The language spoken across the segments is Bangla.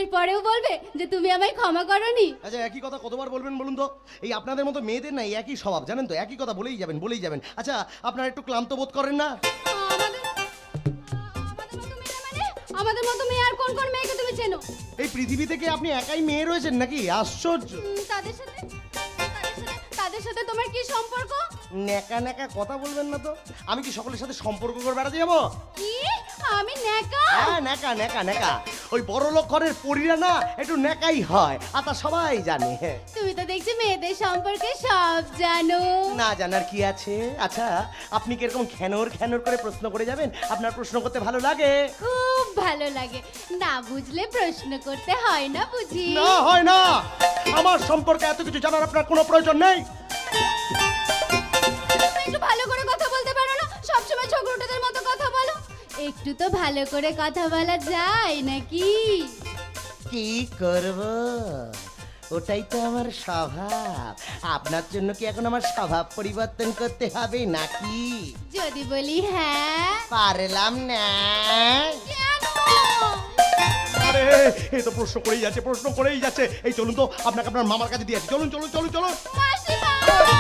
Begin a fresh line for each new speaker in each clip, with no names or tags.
এরপরেও বলবে যে তুমি আমায় ক্ষমা করনি?
আচ্ছা, একই কথা কতবার বলবেন বলুন তো? এই আপনাদের মতো মেয়েদের না একই স্বভাব, জানেন তো, একই কথা বলেই যাবেন বলেই যাবেন। আচ্ছা, আপনারা একটু ক্লান্ত বোধ করেন না?
আমাদের মতো মেয়ে আর কোন কোন মেয়েকে তুমি চেনো?
এই পৃথিবী থেকে আপনি একাই মেয়ে রয়েছেন নাকি? আশ্চর্য।
তাদের সাথে তোমার কি সম্পর্ক?
নেকা নেকা কথা বলবেন না তো। আমি কি সকলের সাথে সম্পর্ক করে বেড়াতে যাবো?
কি আমি নেকা?
হ্যাঁ, নেকা নেকা নেকা। ওই বড় লোক ঘরের পরীরা না একটু নেকাই হয়, আর তা সবাই জানে।
তুমি তো দেখছি মেয়েদের সম্পর্কে সব জানো।
না জানার কি আছে? আচ্ছা, আপনি কি এরকম খ্যানর খ্যানর করে প্রশ্ন করে যাবেন? আপনার প্রশ্ন করতে ভালো লাগে?
খুব ভালো লাগে। না বুঝলে প্রশ্ন করতে হয় না বুঝি?
না, হয় না। আমার সম্পর্কে এত কিছু জানার আপনার কোনো প্রয়োজন নেই।
একটু ভালো করে কথা বলতে পারো না? সবসময় ছোকরোটাদের মতো কথা বলো। একটু তো ভালো করে কথা বলা যায় নাকি?
কি করব, ওটাই তো আমার স্বভাব। আপনার জন্য কি এখন আমার স্বভাব পরিবর্তন করতে হবে নাকি?
যদি বলি হ্যাঁ।
পারলাম না।
কেন?
আরে, এই তো প্রশ্ন করেই যাচ্ছে, প্রশ্ন করেই যাচ্ছে। এই চলুন তো, আপনাকে আপনার মামার কাছে দিয়ে আসি। চলুন চলুন চলুন চলুন।
মাসিমা!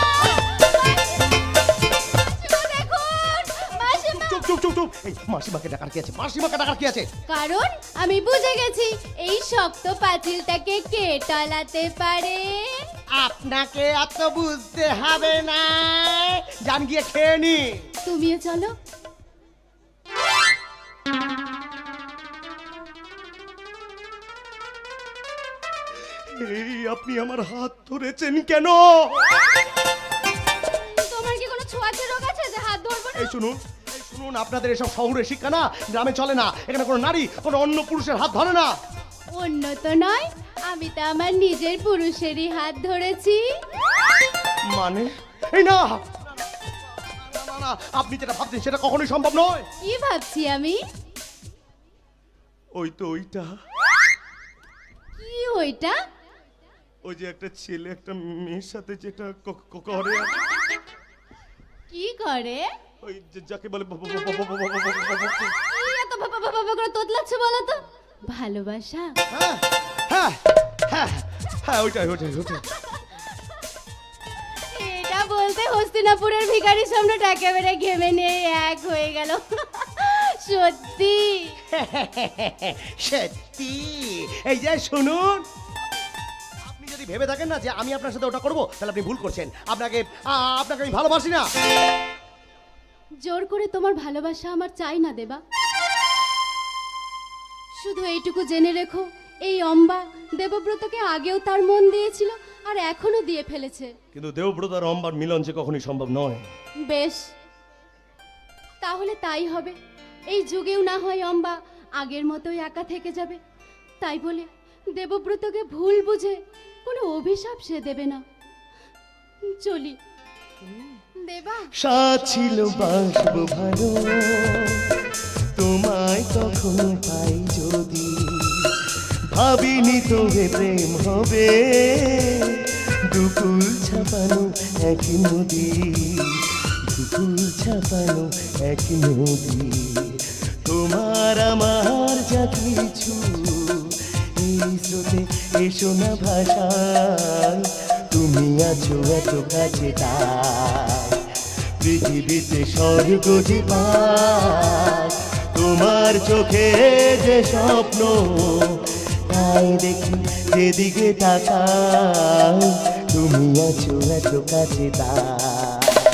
মাসিমা, দেখুন! মাসিমা!
চুপ চুপ চুপ চুপ। এই মাসিমাকে ডাকার কি আছে? মাসিমাকে ডাকার কি আছে?
কারণ আমি বুঝে গেছি এই শক্ত পাঁচিলটাকে কে টলাতে পারে।
আপনাকে এত বুঝতে হবে না, জান গিয়ে খেয়ে নি।
তুমিও চলো।
এই আপনি আমার হাত ধরেছেন কেন?
তোমার কি কোনো ছোঁয়াচে রোগ আছে যে হাত ধরবো না?
এই শুনুন, এই শুনুন, আপনাদের এসব শহুরে শিক্ষা না গ্রামে চলে না। এখানে কোনো নারী কোনো অন্য পুরুষের হাত ধরে না।
অন্য তো নয়, আমি তো আমার নিজের পুরুষেরই হাত ধরেছি।
মানে? এই না না, না, না, আপনি যেটা ভাবছেন সেটা কখনোই সম্ভব নয়।
কি ভাবছি আমি?
ওই তো ওইটা,
কি ওইটা?
ওই যে একটা ছেলে একটা মেয়ের সাথে যেটা করে,
কি করে?
ওই যাকে বলে
কি এত বাবা করে তোতলাচ্ছ বলো তো? ভালোবাসা?
হ্যাঁ হ্যাঁ হ্যাঁ হ্যাঁ, ওইটাই ওইটাই ওইটাই।
এটা বলতে হস্তিনাপুরের ভিখারি সম্রাট একেবারে ঘেমে নিয়ে এক হয়ে গেল। সত্যি?
সত্যি? এই যে শুনুন, আপনি যদি ভেবে থাকেন না যে আমি আপনার সাথে ওটা করব, তাহলে আপনি ভুল করছেন। আপনাকে আপনাকে আমি ভালোবাসি না।
জোর করে তোমার ভালোবাসা আমার চাই না দেবা। শুধু এইটুকু জেনে রেখো, এই অম্বা দেবব্রতকে আগেও তার মন দিয়েছিল আর এখনো দিয়ে ফেলেছে।
কিন্তু দেবব্রত আর অম্বার মিলন যে কখনোই সম্ভব নয়।
বেশ, তাহলে তাই হবে। এই যুগেও না হয় অম্বা আগের মতোই একা থেকে যাবে। তাই বলে দেবব্রতকে ভুল বুঝে কোনো অভিশাপ সে দেবে না। চলি দেবা।
সাথ ছিল বাসবো ভালো, তোমায় কখনো পাই যদি, ভাবিনি তবে প্রেম হবে দুকুল ছাপানো এক নদী, দুকুল ছাপানো এক নদী। তোমার আমার যা কিছু এই স্রোতে এসো না ভাষায়, তুমি আছো এত কাছে তাই পৃথিবীতে স্বর্গ যে পায়, তোমার চোখে যে স্বপ্ন তাই দেখি যেদিকে তাকাই, তুমি আছো এত কাছে তাই।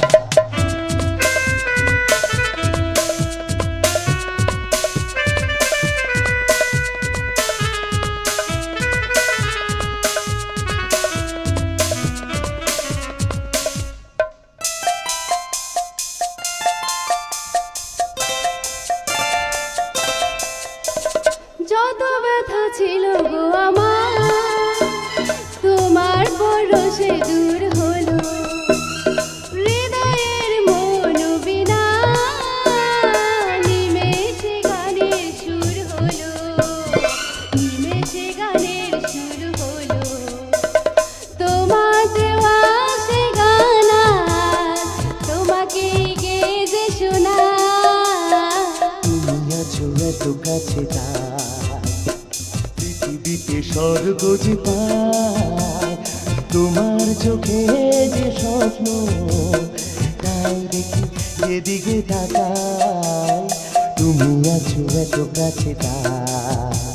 যত ব্যথা ছিল গো আমার, তোমার পরশে দূর হলো। হৃদয়ের মন বিনা নিমেষে গানের সুর হলো, নিমেষে গানের সুর হলো। তোমার দেওয়া সে গান তোমাকে গেয়ে যে শোনা,
তুমি আছো এত কাছে তাই
পৃথিবীতে স্বর্গ যে পায় তোমার চোখে যে স্বপ্ন, তাই দেখি যেদিকে তাকাই তুমি আছো এত কাছে তাই।